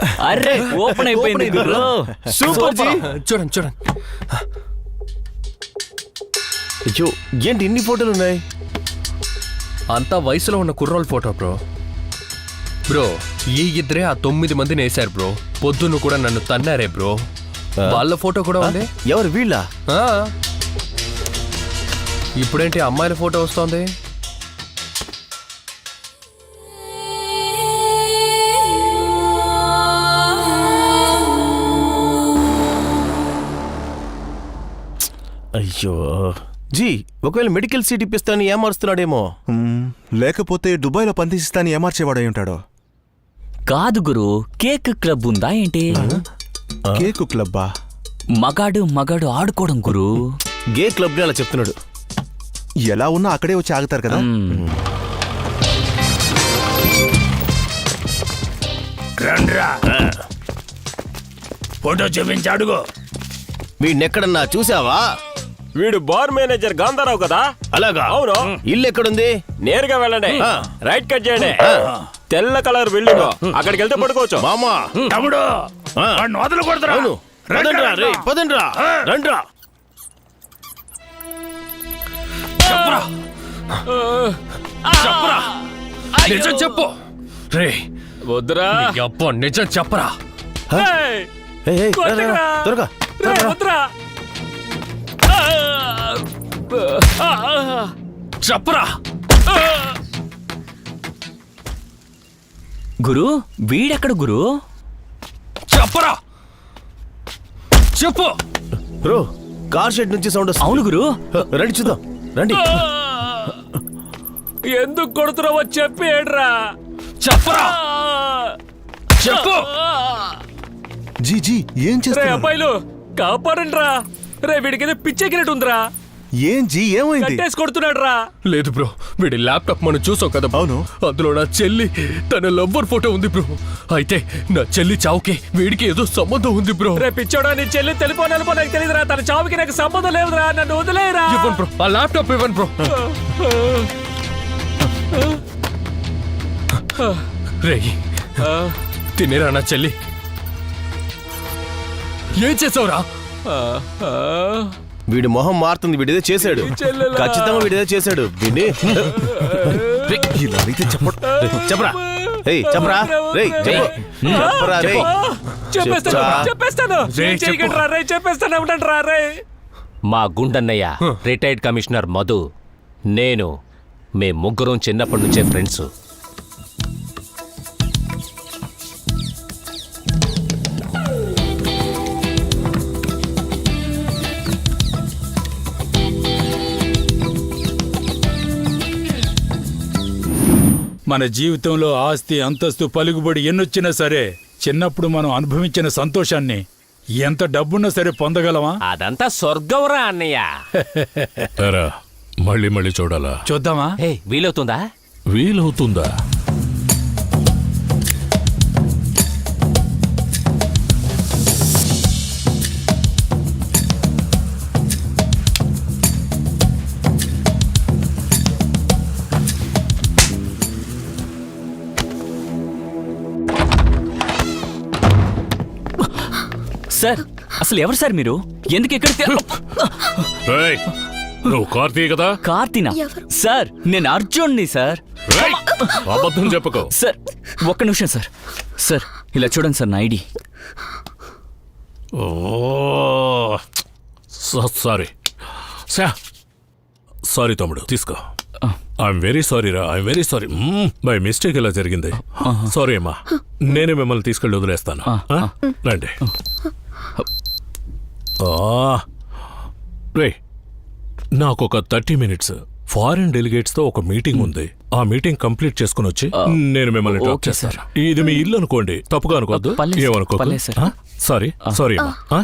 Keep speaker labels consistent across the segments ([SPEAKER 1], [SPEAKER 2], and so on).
[SPEAKER 1] అరే ఓపెన్ అయిపోయింది గురు.
[SPEAKER 2] Super G.
[SPEAKER 3] చూడండి చూడండి.
[SPEAKER 2] అయ్యో ఏంటి ఇన్ని ఫోటోలు ఉన్నాయి?
[SPEAKER 3] అంతా వయసులో ఉన్న కుర్రోళ్ళ ఫోటో బ్రో. బ్రో ఈ ఇద్దరే ఆ 9 మందిని వేశారు బ్రో. పొద్దున్న కూడా నన్ను తన్నారే బ్రో. వాళ్ళ ఫోటో కూడా ఉంది.
[SPEAKER 2] ఎవరు వీళ్ళ?
[SPEAKER 3] ఇప్పుడేంటి అమ్మాయిల ఫోటో వస్తోంది?
[SPEAKER 2] అయ్యో జీ, ఒకవేళ మెడికల్ సీట్ ఇప్పిస్తాను ఏమారుస్తున్నాడేమో.
[SPEAKER 4] లేకపోతే దుబాయ్లో పందిస్తాను ఏమార్చేవాడై ఉంటాడో.
[SPEAKER 1] కాదు గురు, కేక్ క్లబ్ ఉందా ఏంటి?
[SPEAKER 4] కేకు క్లబ్బా?
[SPEAKER 1] మగాడు ఆడుకోవడం గురు.
[SPEAKER 2] గే క్లబ్ అలా చెప్తున్నాడు.
[SPEAKER 4] ఎలా ఉన్నా అక్కడే వచ్చి ఆగుతారు కదా.
[SPEAKER 5] ఫోటో చూపించి అడుగు.
[SPEAKER 2] వీడినెక్కడన్నా చూసావా?
[SPEAKER 6] వీడు బార్ మేనేజర్ గాంధారావు కదా.
[SPEAKER 2] అలాగా?
[SPEAKER 6] అవును.
[SPEAKER 2] ఇల్లు ఎక్కడుంది?
[SPEAKER 6] నేరుగా వెళ్ళండి, రైట్ కట్ చేయండి, తెల్ల కలర్ బిల్డింగ్, అక్కడికి వెళ్తే పడుకోవచ్చు.
[SPEAKER 2] మామా
[SPEAKER 5] తమ్ముడు వాడిని వదలు కొడతారా?
[SPEAKER 2] అవును, పదండ్రా రే, పదండ్రా, రండ్రా.
[SPEAKER 3] నిజం చెప్పు రే.
[SPEAKER 6] వద్దురా.
[SPEAKER 3] అబ్బా నిజం చెప్పరా.
[SPEAKER 2] ఏయ్, ఏయ్, రా, రా, త్వరగా, త్వరగా.
[SPEAKER 6] వద్దురా.
[SPEAKER 3] చెప్పరా.
[SPEAKER 1] గురు వీడెక్కడ గురు?
[SPEAKER 3] చెప్పరా, చెప్పు.
[SPEAKER 2] బ్రో కార్ షెడ్ నుంచి సౌండ్ వస్తుంది.
[SPEAKER 1] అవును గురు.
[SPEAKER 2] రండి చూద్దాం, రండి.
[SPEAKER 6] ఎందుకు కొడుతున్నావో చెప్పి ఏడ్రా.
[SPEAKER 3] చెప్పరా, చెప్పు.
[SPEAKER 4] జీ జీ ఏం
[SPEAKER 6] రే
[SPEAKER 4] చేస్తున్నారు?
[SPEAKER 6] అబ్బాయిలు కాపాడండి రా. రే వీడికి పిచ్చెక్కినట్టు ఉందిరా.
[SPEAKER 4] ఏం జీ ఏమైంది?
[SPEAKER 6] కట్టేసి కొడుతున్నాడు రా.
[SPEAKER 3] లేదు బ్రో, వీడి ల్యాప్టాప్ మనం చూసాం కదా.
[SPEAKER 4] అవును.
[SPEAKER 3] అందులో నా చెల్లి తన లవ్వర్ ఫోటో ఉంది బ్రో. అయితే నా చెల్లి చావుకి వీడికి ఏదో సంబంధం ఉంది బ్రో.
[SPEAKER 6] రే పిచ్చోడా, నీ చెల్లి తెలిపో నెలపో నాకు తెలియదురా. తన చావుకి నాకు సంబంధం లేదురా. నన్ను వదిలేరా.
[SPEAKER 3] ఇవ్వను బ్రో, ఆ ల్యాప్టాప్ ఇవ్వను బ్రో. రే తినేరా నా చెల్లి. ఏం చేసావురా?
[SPEAKER 2] వీడి మొహం మారుతుంది. వీడిదే చేశాడు, ఖచ్చితంగా వీడిదే చేశాడు. వీడిని
[SPEAKER 4] ఇలా అయితే చెప్పడు.
[SPEAKER 2] చెప్పరా, రేయ్ చెప్పరా, రేయ్ చెప్పు, చెప్పరా రేయ్.
[SPEAKER 6] చెప్పేస్తాను. చెప్పేస్తాను ఉండండి రా. రే
[SPEAKER 7] మా గుండన్నయ్య రిటైర్డ్ కమిషనర్ మధు, నేను మేం ముగ్గురం చిన్నప్పటి నుంచే ఫ్రెండ్స్.
[SPEAKER 5] మన జీవితంలో ఆస్తి అంతస్తు పలుకుబడి ఎన్నొచ్చినా సరే చిన్నప్పుడు మనం అనుభవించిన సంతోషాన్ని ఎంత డబ్బున్నా సరే పొందగలమా?
[SPEAKER 7] అదంతా స్వర్గంరా అన్నయ్య.
[SPEAKER 8] మళ్ళీ మళ్ళీ చూడాలా?
[SPEAKER 5] చూద్దామా?
[SPEAKER 7] వీలవుతుందా?
[SPEAKER 8] వీలవుతుందా?
[SPEAKER 1] సార్ అసలు ఎవరు సార్ మీరు? ఎందుకు ఎక్కడ?
[SPEAKER 8] నువ్వు కార్తీ కదా?
[SPEAKER 1] కార్తీనా? సార్ నేను అర్జున్ని సార్.
[SPEAKER 8] అబద్ధం చెప్పుకో.
[SPEAKER 1] సార్ ఒక్క నిమిషం సార్. సార్ ఇలా చూడండి సార్, నా ఐడి.
[SPEAKER 8] సారీ సారీ తమ్ముడు, తీసుకో. ఐఎమ్ వెరీ సారీ రా, I'm very sorry. By mistake ఇలా జరిగింది. సారీ అమ్మా, నేనే మిమ్మల్ని తీసుకెళ్ళి వదిలేస్తాను. రండి. రే నాకు ఒక 30 minutes ఫారిన్ డెలిగేట్స్ తో ఒక మీటింగ్ ఉంది. ఆ మీటింగ్ కంప్లీట్ చేసుకుని వచ్చి నేను మిమ్మల్ని డ్రాప్ చేస్తాను. ఇది మీ ఇల్లు అనుకోండి, తప్పుగా అనుకోవద్దు. ఏమనుకో. సారీ సారీ అమ్మా.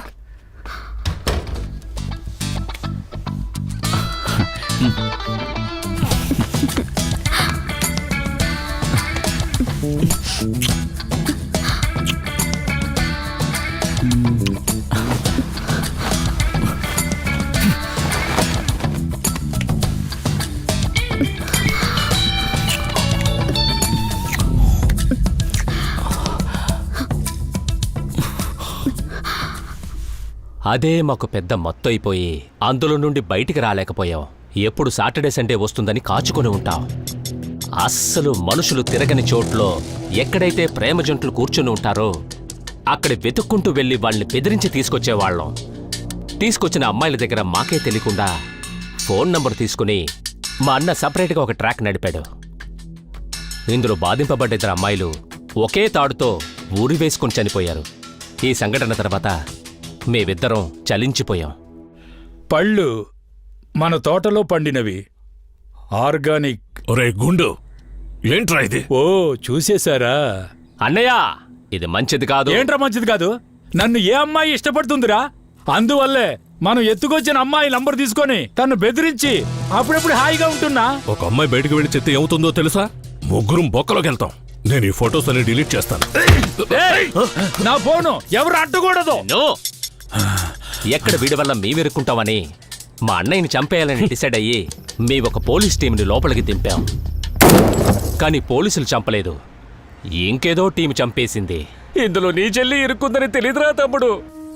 [SPEAKER 7] అదే మాకు పెద్ద మొత్తం అయిపోయి అందులో నుండి బయటికి రాలేకపోయాం. ఎప్పుడు సాటర్డే సండే వస్తుందని కాచుకొని ఉంటాం. అస్సలు మనుషులు తిరగని చోట్లో ఎక్కడైతే ప్రేమ జంటలు కూర్చుని ఉంటారో అక్కడ వెతుక్కుంటూ వెళ్ళి వాళ్ళని బెదిరించి తీసుకొచ్చేవాళ్ళం. తీసుకొచ్చిన అమ్మాయిల దగ్గర మాకే తెలియకుండా ఫోన్ నంబర్ తీసుకుని మా అన్న సపరేట్గా ఒక ట్రాక్ నడిపాడు. ఇందులో బాధింపబడ్డ 2 అమ్మాయిలు ఒకే తాడుతో ఊరి వేసుకుని చనిపోయారు. ఈ సంఘటన తర్వాత మేమిద్దరం చలించిపోయాం.
[SPEAKER 5] పళ్ళు మన తోటలో పండినవి, ఆర్గానిక్.
[SPEAKER 8] ఒరే గుండు, ఏంట్రా ఇది?
[SPEAKER 5] ఓ చూసేశారా?
[SPEAKER 7] అన్నయ్య, ఇది మంచిది కాదు.
[SPEAKER 5] ఏంట్రా మంచిది కాదు? నన్ను ఏ అమ్మాయి ఇష్టపడుతుందిరా? అందువల్లే మనం ఎత్తుకొచ్చిన అమ్మాయి నంబర్ తీసుకొని తను బెదిరించి అప్పుడప్పుడు హాయిగా ఉంటున్నా.
[SPEAKER 8] ఒక అమ్మాయి బయటకు వెళ్ళి చెత్త ఏమవుతుందో తెలుసా? ముగ్గురం బొక్కలోకి వెళ్తాం. నేను ఈ ఫొటోస్ అన్ని డిలీట్ చేస్తాను.
[SPEAKER 5] ఏయ్! నా ఫోను ఎవరు అడ్డకూడదు.
[SPEAKER 7] నో! ఎక్కడ వీడి వల్ల మేమిరుక్కుంటామని మా అన్నయ్యని చంపేయాలని డిసైడ్ అయ్యి ఒక పోలీస్ టీంని లోపలికి దింపాం. కానీ పోలీసులు చంపలేదు, ఇంకేదో టీం చంపేసింది. ఇందులో నీ చెల్లి ఇరుక్కుందని తెలీదురా తమ్ముడు.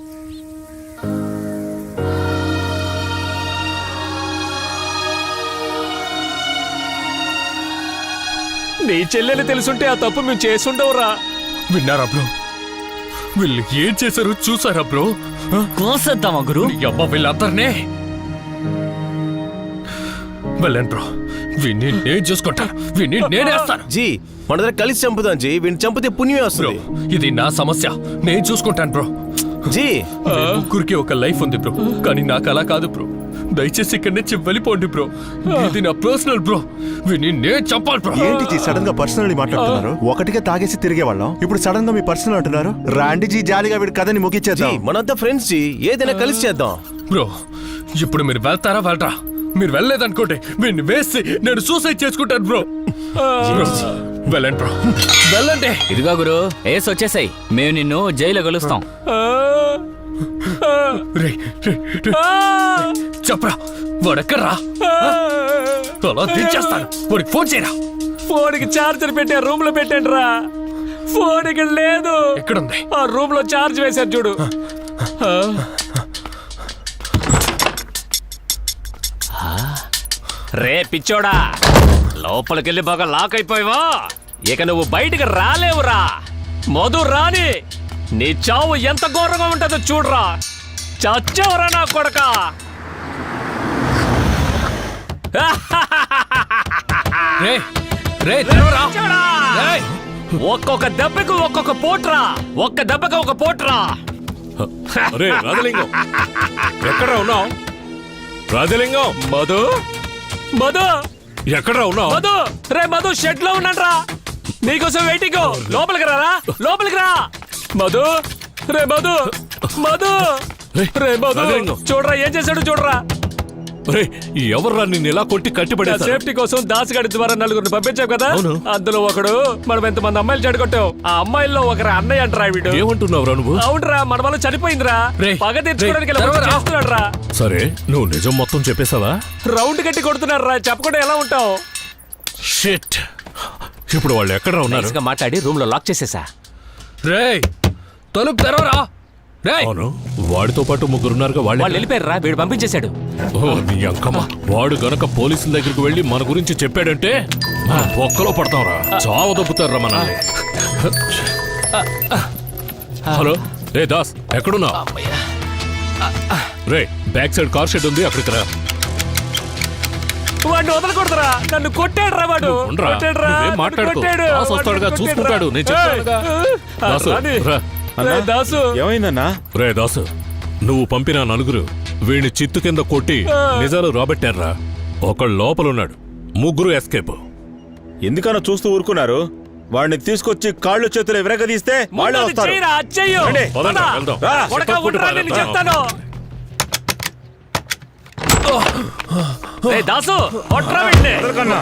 [SPEAKER 7] నీ చెల్లెలు తెలుసుంటే ఆ తప్పు మేము చేసుండవురా.
[SPEAKER 3] విన్నారా బ్రో? వీళ్ళు ఏం చేశారు చూసారా బ్రో?
[SPEAKER 1] కోసేద్దామా గురు?
[SPEAKER 3] నీ అమ్మ వీళ్ళందరినీ వెళ్ళండి బ్రో. వీడిని నేను చూసుకుంటాను, వీడిని నేనేస్తాను.
[SPEAKER 2] జీ మన దగ్గర కలిసి చంపుదాం జీ. వీడిని చంపితే పుణ్యమే
[SPEAKER 3] బ్రో,
[SPEAKER 2] వస్తుంది.
[SPEAKER 3] ఇది నా సమస్య, నేను చూసుకుంటాను బ్రో.
[SPEAKER 2] జీ
[SPEAKER 3] ముగ్గురికి ఒక లైఫ్ ఉంది బ్రో, కానీ నాకు అలా కాదు బ్రో. దయచేసి ఇక్కడి నుంచి వెళ్ళిపోండి బ్రో. ఇది నా పర్సనల్ బ్రో. వీడిని నేను చంపాలి బ్రో.
[SPEAKER 4] ఏంటి జీ సడన్ గా పర్సనల్ మాట్లాడుతున్నారు? ఒకటిగా తాగేసి తిరిగే వాళ్ళం, ఇప్పుడు సడన్ గా మీ పర్సనల్ అంటున్నారు. రాండి జీ, జాలీగా వీడి కథని
[SPEAKER 2] జీ
[SPEAKER 4] ముగించేద్దాం.
[SPEAKER 2] మనంతా ఫ్రెండ్స్ జీ, ఏదైనా కలిసి చేద్దాం.
[SPEAKER 3] బ్రో, ఇప్పుడు మీరు వెళ్తారా వెళ్ళరా? మీరు వెళ్ళలేదనుకోండి వీడిని వేసి నేను సూసైడ్ చేసుకుంటాను బ్రో. బ్రో, వెళ్ళండి బ్రో, వెళ్ళండి.
[SPEAKER 1] ఇదిగో గురు, ఏస్ వచ్చేసాయి. మేము నిన్ను జైల్లో కలుస్తాం.
[SPEAKER 3] రేయ్, రేయ్, రేయ్. చెప్పరా వాడెక్కడ్రా? అలా దించేస్తాను. వాడికి ఫోన్ చేయరా.
[SPEAKER 7] ఫోన్కి ఛార్జర్ పెట్టే రూమ్ లో పెట్టండి రా. ఫోన్ ఇక్కడ లేదు.
[SPEAKER 3] ఎక్కడుంది?
[SPEAKER 7] ఆ రూమ్ లో ఛార్జ్ వేశారు చూడు. రే పిచ్చోడా, లోపలికెళ్ళి బాగా లాక్ అయిపోయావా? ఇక నువ్వు బయటికి రాలేవురా. మధు రాని నీ చావు ఎంత ఘోరంగా ఉంటుందో చూడరా. చచ్చావురా నా కొడక.
[SPEAKER 3] రే రే తెరవరా.
[SPEAKER 7] పిచ్చోడా!
[SPEAKER 3] రేయ్,
[SPEAKER 7] ఒక్కొక్క దెబ్బకు ఒక్కొక్క పోట్రా. ఒక్క దెబ్బకు ఒక పోట్రా.
[SPEAKER 8] అరే రాజలింగం, ఎక్కడ ఉన్నావు? రాజలింగం,
[SPEAKER 7] మధు మధు
[SPEAKER 8] ఎక్కడ ఉన్నావు?
[SPEAKER 7] మధు, రే మధు షెడ్ లో ఉన్నాడ్రా. నీకోసం వెయిటింగ్. లోపలికి రారా, లోపలికి రా. మధు, రే మధు, మధు, రే మధు,
[SPEAKER 8] రాజలింగం.
[SPEAKER 7] చూడరా ఏం చేశాడు చూడరా.
[SPEAKER 8] రే ఎవర్రా నిన్ను ఇలా కొట్టి కట్టిపడేశారు?
[SPEAKER 7] సేఫ్టీ కోసం దాసగాడి ద్వారా 4గురిని పంపించావు కదా.
[SPEAKER 8] అవును.
[SPEAKER 7] అందులో ఒకడు మనం ఎంతమంది అమ్మాయిలు చెడగొట్టావు. ఆ అమ్మాయిల్లో ఒకరు అన్నయ్య అంటరా వీడు.
[SPEAKER 8] ఏమంటున్నావురా నువ్వు?
[SPEAKER 7] అవునరా, మన వల్ల చనిపోయిందిరా.
[SPEAKER 3] రేయ్,
[SPEAKER 7] పగ తెచ్చుకోవడానికి ఇలా
[SPEAKER 3] తెరవరా.
[SPEAKER 7] చేస్తున్నాడు రా.
[SPEAKER 8] సరే నువ్వు నిజం మొత్తం చెప్పేశావా?
[SPEAKER 7] రౌండ్ కట్టి కొడుతున్నారు రా. చెప్పకుండా ఎలా ఉంటావు?
[SPEAKER 8] షిట్, ఇప్పుడు వాళ్ళు ఎక్కడ ఉన్నారు?
[SPEAKER 7] నైస్గా మాట్లాడి రూమ్ లో లాక్ చేసేసా.
[SPEAKER 3] రేయ్, తలుపు తెరవరా. రేయ్,
[SPEAKER 8] అవును, వాడితో పాటు ముగ్గురున్నారుగా.
[SPEAKER 7] వాళ్ళు
[SPEAKER 8] వాళ్ళు
[SPEAKER 7] వెళ్ళిపోయారు రా. వీడు పంపించేశాడు.
[SPEAKER 8] ఓ నీ అంకమ్మ, వాడు గనక పోలీసుల దగ్గరికి వెళ్ళి మన గురించి చెప్పాడంటే ఒక్కలో పడతాంరా. చావు దొబ్బుతారా మనల్ని. హలో రే దాస్, ఎక్కడున్నా? రే బ్యాక్ సైడ్ కార్ షెడ్ ఉంది, అక్కడికి రా.
[SPEAKER 7] వాడిని వదలకూడదురా. నన్ను కొట్టాడు రా వాడు.
[SPEAKER 8] ఉండరా,
[SPEAKER 7] కొట్టాడు రా.
[SPEAKER 8] నువ్వేం మాట్లాడుకో.
[SPEAKER 7] కొట్టాడు.
[SPEAKER 8] దాస్ వస్తాడుగా,
[SPEAKER 7] వాడిని
[SPEAKER 8] చూసుకుంటాడు. నేను చెప్తానుగా. దాసు,
[SPEAKER 7] రాని.
[SPEAKER 8] రా.
[SPEAKER 7] రే దాసు,
[SPEAKER 2] ఏమైందన్నా?
[SPEAKER 8] రే దాసు, నువ్వు పంపిన 4 వీడిని చిత్తు కింద కొట్టి నిజాలు రాబట్టారా. ఒకళ్ళు లోపలున్నాడు, 3 ఎస్కేప్.
[SPEAKER 2] ఎందుకన్నా చూస్తూ ఊరుకున్నారు? వాడిని తీసుకొచ్చి కాళ్ళు చేతులు విరగదీస్తే వాళ్ళే
[SPEAKER 7] ముందు
[SPEAKER 2] వస్తారు.
[SPEAKER 7] చెయ్యరా, చెయ్యు.
[SPEAKER 2] రండి,
[SPEAKER 8] పదండి,
[SPEAKER 7] పద.
[SPEAKER 8] వెళ్దాం.
[SPEAKER 2] రా.
[SPEAKER 7] కొడకా, ఉండరా, నేను చెప్తాను. రే దాసు, కొట్రా వీడిని.
[SPEAKER 2] వదలకన్నా.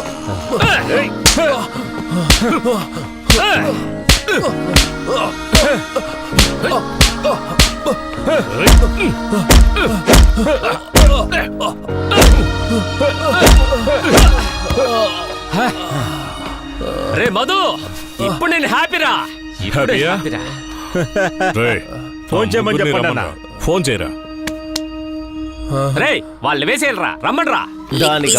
[SPEAKER 7] రే మధు, ఇప్పుడు నేను హ్యాపీరా. ఇప్పుడు
[SPEAKER 8] హ్యాపీయా?
[SPEAKER 7] హ్యాపీరా.
[SPEAKER 8] రే
[SPEAKER 2] ఫోన్ చేయమని
[SPEAKER 8] ముగ్గురిని
[SPEAKER 2] చెప్పండి అన్న.
[SPEAKER 8] రమ్మన్నా. ఫోన్ చేయరా.
[SPEAKER 7] రేయ్ వాళ్ళు వేసేయరా, రమ్మన్రా.
[SPEAKER 6] దానికి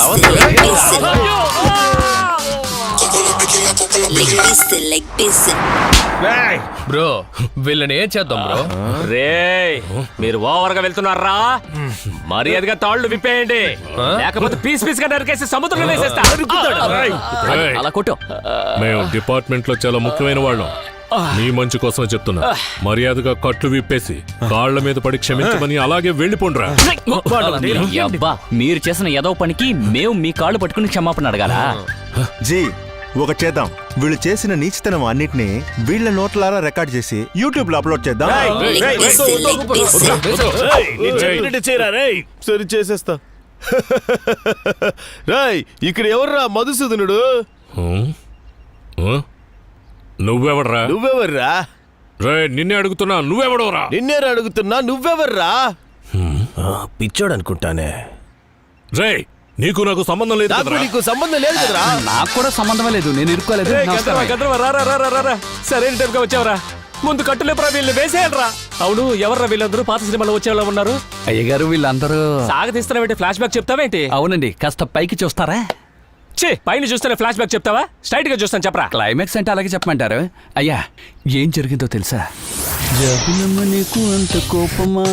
[SPEAKER 3] బ్రో వీళ్ళని ఏం చేద్దాం బ్రో?
[SPEAKER 7] రేయ్ మీరు ఓవర్గా వెళ్తున్నారా? మర్యాదగా తాళ్ళు విప్పేయండి, లేకపోతే పీస్ పీస్ గా నరికేసి సముద్రంలో వేసేస్తా.
[SPEAKER 8] రేయ్,
[SPEAKER 1] అలా కొట్టు.
[SPEAKER 8] మేము డిపార్ట్మెంట్ లో చాలా ముఖ్యమైన వాళ్ళం. మీ మంచి కోసమే చెప్తున్నా. మర్యాదగా కట్లు విప్పేసి కాళ్ల మీద పడి క్షమించమని అలాగే వెళ్ళిపోండ్రా.
[SPEAKER 1] అబ్బా, మీరు చేసిన ఏదో పనికి మేము మీ కాళ్ళు పట్టుకుని క్షమాపణ అడగాలా?
[SPEAKER 4] జీ ఒక చేద్దాం, వీళ్ళు చేసిన నీచతనం అన్నిటినీ వీళ్ళ నోట్లారా రికార్డ్ చేసి యూట్యూబ్ లో అప్లోడ్ చేద్దాం.
[SPEAKER 6] సరి చేసేస్తా. రాయ్ ఇక్కడ ఎవర్రా మధుసూదనుడు?
[SPEAKER 8] హ్మ్? ఆ? నువ్వెవడ్రా?
[SPEAKER 6] నువ్వెవర్రా?
[SPEAKER 8] రే నిన్నే అడుగుతున్నా, నువ్వెవడవరా?
[SPEAKER 6] నిన్నేరా అడుగుతున్నా, నువ్వెవర్రా? పిచ్చోడు అనుకుంటానే.
[SPEAKER 8] రే నీకు నాకు సంబంధం లేదు
[SPEAKER 6] నాకు
[SPEAKER 8] కదరా?
[SPEAKER 6] నీకు సంబంధం లేదు కదరా?
[SPEAKER 1] నాకు కూడా సంబంధమే లేదు, నేను ఇరుక్కోలేదు.
[SPEAKER 7] సరైన టైంగా వచ్చావరా. ముందు కట్టులేపరా, వీళ్ళు వేసేయండిరా. అవును, ఎవర్రా వీళ్ళందరూ? పాత సినిమాలో వచ్చేవాళ్ళ ఉన్నారు.
[SPEAKER 1] అయ్యగారు వీళ్ళందరూ
[SPEAKER 7] సాగతీస్తున్నావేంటి? Flash back చెప్తావేంటి?
[SPEAKER 1] అవునండి, కాస్త పైకి చూస్తారా?
[SPEAKER 7] ఛీ, పైన చూస్తేనే ఫ్లాష్ బ్యాక్ చెప్తావా? స్ట్రైట్ గా చూస్తాను, చెప్పరా.
[SPEAKER 1] క్లైమాక్స్ అంటే అలాగే చెప్పమంటారు. అయ్యా ఏం జరిగిందో తెలుసా? జగనమ్మ నీకు అంత కోపమా?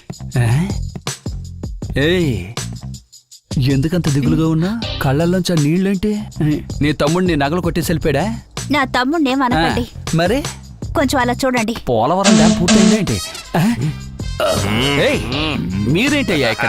[SPEAKER 1] ఏయ్ ఎందుకంత దిగులుగా ఉన్నా? కళ్ళల్లోంచి నీళ్ళేంటి? నీ తమ్ముడిని నగలు కొట్టేసి వెళ్ళిపోయాడా?
[SPEAKER 9] నా తమ్ముడిని ఏమనకండి,
[SPEAKER 1] మరి
[SPEAKER 9] కొంచెం అలా చూడండి.
[SPEAKER 1] పోలవరం డ్యామ్ పూర్తయిందా ఏంటి? ఏయ్, మీరేంటయ్యా ఇక్కడ?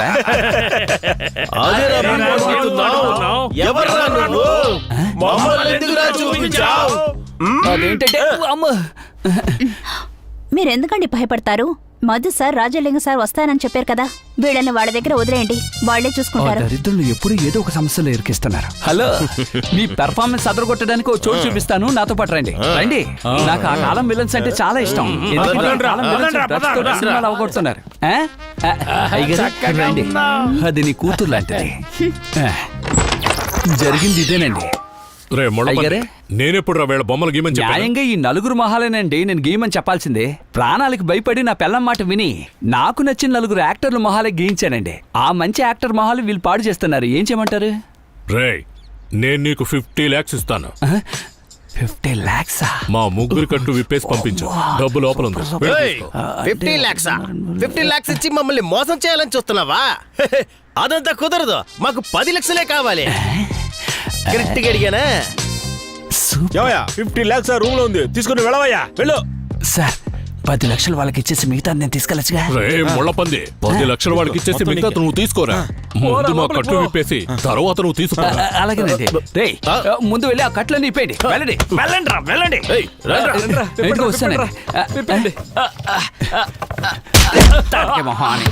[SPEAKER 6] ఎవర్రా నువ్వు? మమ్మల్ని ఎందుకురా చూపించావ్?
[SPEAKER 1] అదేంటంటే అమ్మ,
[SPEAKER 9] మీరెందుకండి భయపడతారు? మధు సార్, రాజలింగ సార్ వస్తానని చెప్పారు కదా, వీళ్ళని వాళ్ళ దగ్గర వదిలేయండి, వాళ్లే
[SPEAKER 1] ఆ
[SPEAKER 9] చూసుకుంటారు.
[SPEAKER 1] దరిద్రులు ఎప్పుడు ఏదో ఒక సమస్యలో ఇరికిస్తున్నారు. హలో, మీ పెర్ఫార్మెన్స్ అదరగొట్టడానికి ఒక చోటు చూపిస్తాను, నాతో పాటు రండి. రండి, నాకు ఆ కాలం విలన్స్ అంటే చాలా ఇష్టం. ఎందుకంటే ఆ కాలం villains drugs తోటి సినిమాలు అవగొడుతున్నారు. అయ్యగారు, రండి, అది నీ కూతురు లాంటిది. జరిగింది ఇదేనండి.
[SPEAKER 8] రే
[SPEAKER 1] అయ్యగారే?
[SPEAKER 8] నేనెప్పుడు రా వీళ్ళ బొమ్మలు గీమని చెప్పాను?
[SPEAKER 1] న్యాయంగా ఈ నలుగురు మొహాలేనండి నేను గీయమని చెప్పాల్సిందే. ప్రాణాలకు భయపడి నా పెళ్ళం మాట విని నాకు నచ్చిన నలుగురు యాక్టర్ల మొహాలే గీయించానండి. ఆ మంచి యాక్టర్ మొహాలు వీళ్ళు పాడు చేస్తున్నారు. ఏం చేయమంటారు?
[SPEAKER 8] రే నేను నీకు 50 lakhs ఇస్తాను.
[SPEAKER 1] 50 lakhs?
[SPEAKER 8] మా ముగ్గురు కట్టు విప్పేసి పంపించు, డబ్బు లోపల ఉంది. వెళ్ళి తీసుకో.
[SPEAKER 6] 50 lakhs? 50 lakhs ఇచ్చి మమ్మల్ని మోసం చేయాలని చూస్తున్నావా? అదంతా కుదరదు, మాకు 10 లక్షలే కావాలి. కరెక్ట్గా అడిగానా?
[SPEAKER 2] 50 lakhs ఆ రూమ్ లో ఉంది, తీసుకుని వెళ్ళవయ్యా, వెళ్ళు.
[SPEAKER 1] సార్ 10 లక్షలు వాళ్ళకి ఇచ్చేసి మిగతా నేను తీసుకెళ్ళచ్చుగా.
[SPEAKER 8] రే ముళ్ళపంది, 10 లక్షలు వాడికి ఇచ్చేసి మిగతా నువ్వు తీసుకోరా. ముందు మా కట్టు విప్పేసి తర్వాత నువ్వు తీసుకో.
[SPEAKER 1] అలాగేనండి. రే ముందు వెళ్ళి ఆ కట్లన్నీ ఇప్పేయండి. వెళ్ళండి, వెళ్ళండి రా, వెళ్ళండి. ఇంటికి వస్తానండి. తాటికే మొహాన్ని.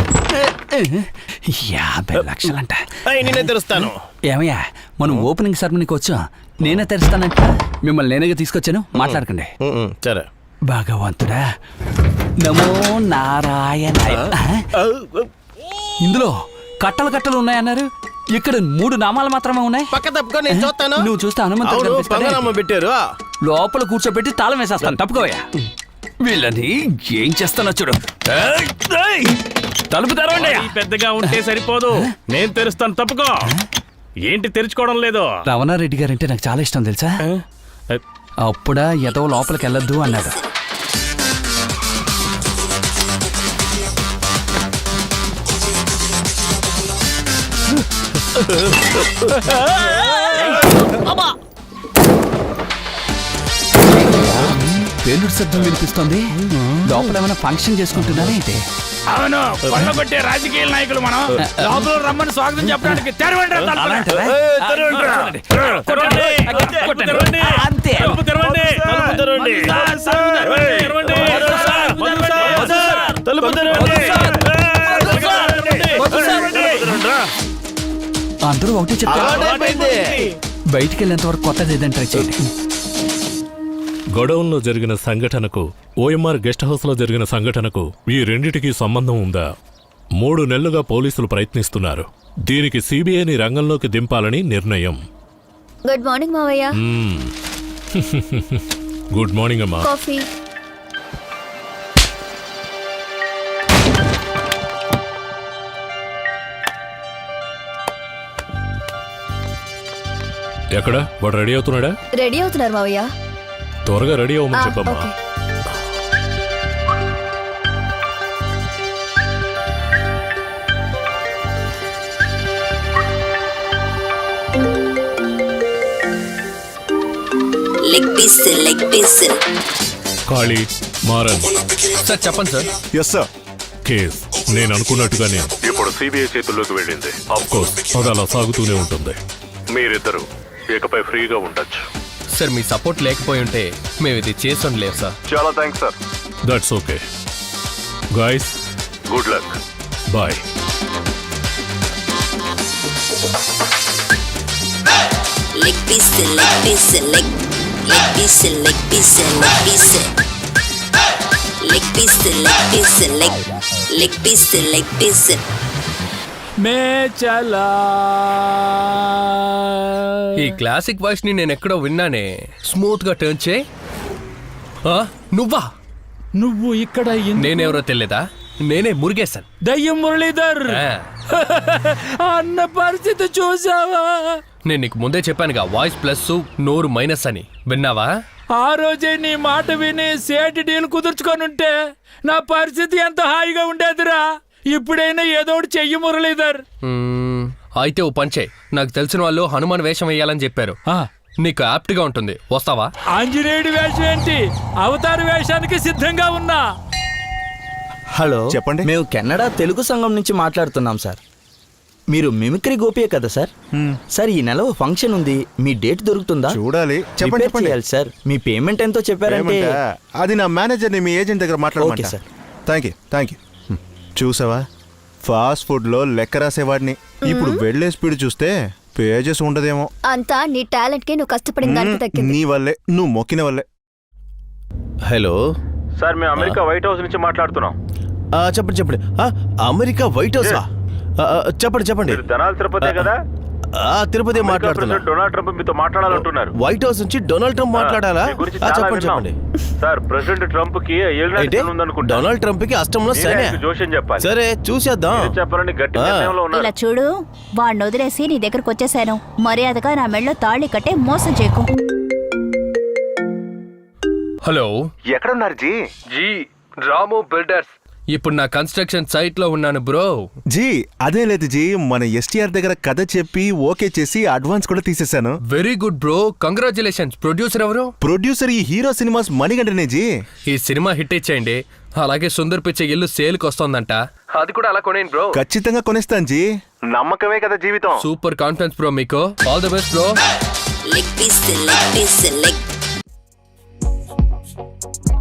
[SPEAKER 1] 50 లక్షలంట.
[SPEAKER 6] నేనే తెరుస్తాను.
[SPEAKER 1] ఏమయ్యా, మనం ఓపెనింగ్ సెరమనీకి వచ్చాం, నేనే తెరుస్తానంట. మిమ్మల్ని నేనేగా తీసుకొచ్చాను, మాట్లాడకండి.
[SPEAKER 6] సరే.
[SPEAKER 1] భగవంతుడా, నమో నారాయణాయ. ఇందులో కట్టలు కట్టలు ఉన్నాయన్నారు, ఇక్కడ 3 నామాలు మాత్రమే ఉన్నాయి.
[SPEAKER 6] పక్క తప్పుకో, నేను చూస్తాను.
[SPEAKER 1] నువ్వు చూస్తే హనుమంతుడు కనిపిస్తాడే.
[SPEAKER 6] పంగనామా పెట్టారు.
[SPEAKER 1] లోపల కూర్చోబెట్టి తాళం వేసేస్తాను, తప్పుకోవయ్యా. వీళ్ళని ఏం చేస్తానో చూడు. తలుపు తెరవండి.
[SPEAKER 6] పెద్దగా ఉంటే సరిపోదు, నేను తెరుస్తాను, తప్పుకో. ఏంటి తెరుచుకోవడం లేదు?
[SPEAKER 1] రమణారెడ్డి గారంటే నాకు చాలా ఇష్టం తెలుసా. అప్పుడా ఎదో లోపలికి వెళ్ళొద్దు అన్నాడు. పేలుడు శబ్దం వినిపిస్తుంది. లోపల ఏమైనా ఫంక్షన్ చేసుకుంటున్నారా ఏంటి?
[SPEAKER 5] అవును, కొట్టే రాజకీయ నాయకులు మనం. లోపల రమ్మని స్వాగతం చెప్పడానికి తెరవండి రా తలుపులు.
[SPEAKER 1] అలాంటివా?
[SPEAKER 5] తెరవండి.
[SPEAKER 1] కొట్టండి. అంతే.
[SPEAKER 5] తెరవండి.
[SPEAKER 1] అందరూ ఒకటి చెప్తారు. బయటికి వెళ్ళేంత వరకు కొత్తది ఏదైనా ట్రై చేయండి.
[SPEAKER 8] గొడవంలో జరిగిన సంఘటనకు, ఓఎంఆర్ గెస్ట్ హౌస్ లో జరిగిన సంఘటనకు ఈ రెండిటికి సంబంధం ఉందా? 3 నెలలుగా పోలీసులు ప్రయత్నిస్తున్నారు. దీనికి సిబిఐని రంగంలోకి దింపాలని నిర్ణయం.
[SPEAKER 9] గుడ్ మార్నింగ్ మావయ్య.
[SPEAKER 8] గుడ్ మార్నింగ్ అమ్మా.
[SPEAKER 9] కాఫీ.
[SPEAKER 8] ఎక్కడ వాడు రెడీ అవుతున్నాడా?
[SPEAKER 10] రెడీ అవుతున్నారు మావయ్య.
[SPEAKER 8] త్వరగా రెడీ అవ్వమని చెప్పమ్మా.
[SPEAKER 10] ఓకే.
[SPEAKER 8] ఖాళీ మారన్.
[SPEAKER 3] సార్ చెప్పండి సార్.
[SPEAKER 4] Yes sir.
[SPEAKER 8] కేస్ నేను అనుకున్నట్టుగానే ఇప్పుడు సిబిఐ చేతుల్లోకి వెళ్ళింది. ఆఫ్ కోర్స్ అది అలా సాగుతూనే ఉంటుంది. మీరిద్దరు ఇకపై ఫ్రీగా ఉండొచ్చు.
[SPEAKER 3] సార్ మీ సపోర్ట్ లేకపోయి ఉంటే మేము ఇది చేసి ఉండలేము సార్.
[SPEAKER 4] చాలా thanks sir.
[SPEAKER 8] That's okay guys, good luck, bye.
[SPEAKER 1] మే చలా.
[SPEAKER 3] ఈ క్లాసిక్ వాయిస్ ని నేను ఎక్కడో విన్నానే. స్మూత్ గా టర్న్ చేయి. నువ్వా?
[SPEAKER 1] నువ్వు ఇక్కడ
[SPEAKER 3] నేనెవరో తెలియదా? నేనే మురుగేశాను.
[SPEAKER 1] దయ్యం మురళీధర్. అన్న పరిస్థితి చూసావా?
[SPEAKER 3] నేను నీకు ముందే చెప్పానుగా, వాయిస్ ప్లస్ నోరు మైనస్ అని. విన్నావా?
[SPEAKER 1] ఆ రోజే నీ మాట విని సేటి డీల్ కుదుర్చుకొని ఉంటే నా పరిస్థితి ఎంత హాయిగా ఉండేదిరా. ఇప్పుడైనా ఏదో ఒకటి చెయ్యి మురళీధర్.
[SPEAKER 3] అయితే ఓ పంచే, నాకు తెలిసిన వాళ్ళు హనుమాన్ వేషం వేయాలని చెప్పారు. నీకు యాప్ట్ గా ఉంటుంది, వస్తావా?
[SPEAKER 1] ఆంజనేయుడి వేషం ఏంటి, అవతార వేషానికి సిద్ధంగా ఉన్నా.
[SPEAKER 11] హలో
[SPEAKER 4] చెప్పండి.
[SPEAKER 11] మేము కెనడా తెలుగు సంఘం నుంచి మాట్లాడుతున్నాం సార్. మీరు మిమిక్రీ గోపియే కదా సార్? సార్ ఈ నెల ఫంక్షన్ ఉంది, మీ డేట్ దొరుకుతుందా?
[SPEAKER 4] చూడాలి. చెప్పండి
[SPEAKER 11] Prepare చేయాలి సార్. మీ పేమెంట్ ఎంతో చెప్పారంటే
[SPEAKER 4] అది నా మేనేజర్ని మీ ఏజెంట్ దగ్గర
[SPEAKER 11] ఓకే
[SPEAKER 4] మాట్లాడమంటా.
[SPEAKER 11] సార్.
[SPEAKER 4] Thank you. చూసావా, ఫాస్ట్ ఫుడ్ లో లెక్క రాసేవాడిని. ఇప్పుడు వెళ్లే స్పీడ్ చూస్తే పేజెస్ ఉండదేమో.
[SPEAKER 10] అంతా నీ టాలెంట్ కి నువ్వు కష్టపడిన దానికి దక్కింది.
[SPEAKER 4] నీ వల్లే, నువ్వు మొక్కిన వల్లే.
[SPEAKER 6] హలో
[SPEAKER 2] సార్ మేము అమెరికా వైట్ హౌస్ నుంచి మాట్లాడుతున్నాం.
[SPEAKER 6] చెప్పండి. America White House. చెప్పండి.
[SPEAKER 2] ధనాల్ తిరుపతి కదా?
[SPEAKER 6] తిరుపతి మాట్లాడుతున్నా.
[SPEAKER 2] డొనాల్డ్ ట్రంప్ మీతో మాట్లాడాలంటున్నారు.
[SPEAKER 6] వైట్ హౌస్ నుంచి డొనాల్డ్ ట్రంప్ మాట్లాడాలా? చెప్పండి.
[SPEAKER 2] సార్ ప్రెసిడెంట్ ట్రంప్ కి
[SPEAKER 6] అయితే డొనాల్డ్ ట్రంప్ కి అష్టంలో శనే.
[SPEAKER 2] జోషన్ చెప్పాలి.
[SPEAKER 6] సరే చూసేద్దాం.
[SPEAKER 2] చెప్పాలని గట్టి నిర్ణయంలో ఉన్నారు.
[SPEAKER 9] ఇలా చూడు, వాడిని వదిలేసి నీ దగ్గరకు వచ్చేసాను. మర్యాదగా నా మెళ్ళో తాళి కట్టే మోసం చేయకు.
[SPEAKER 3] హలో,
[SPEAKER 4] ఎక్కడున్నారు జీ?
[SPEAKER 3] జీ రాము బిల్డర్స్. ఇప్పుడు నా కన్స్ట్రక్షన్ సైట్ లో ఉన్నాను బ్రో.
[SPEAKER 4] జీ అదే లేదు జీ, మన ఎస్టీఆర్ దగ్గర కథ చెప్పి ఓకే చేసి అడ్వాన్స్ కూడా తీసేశాను.
[SPEAKER 3] Very good bro, congratulations. Producer ఎవరు?
[SPEAKER 4] ప్రొడ్యూసర్ ఈ హీరో సినిమాస్ మణిగంటనే జీ.
[SPEAKER 3] ఈ సినిమా హిట్ ఇచ్చేయండి. అలాగే సుందర్ పిచ్చే ఇల్లు సేల్కి వస్తోందంట, అది కూడా అలా కొనేయండి బ్రో.
[SPEAKER 4] ఖచ్చితంగా కొనేస్తాను జీ. నమ్మకమే కదా జీవితం.
[SPEAKER 3] సూపర్ కాన్ఫిడెన్స్ బ్రో మీకు. All the best bro.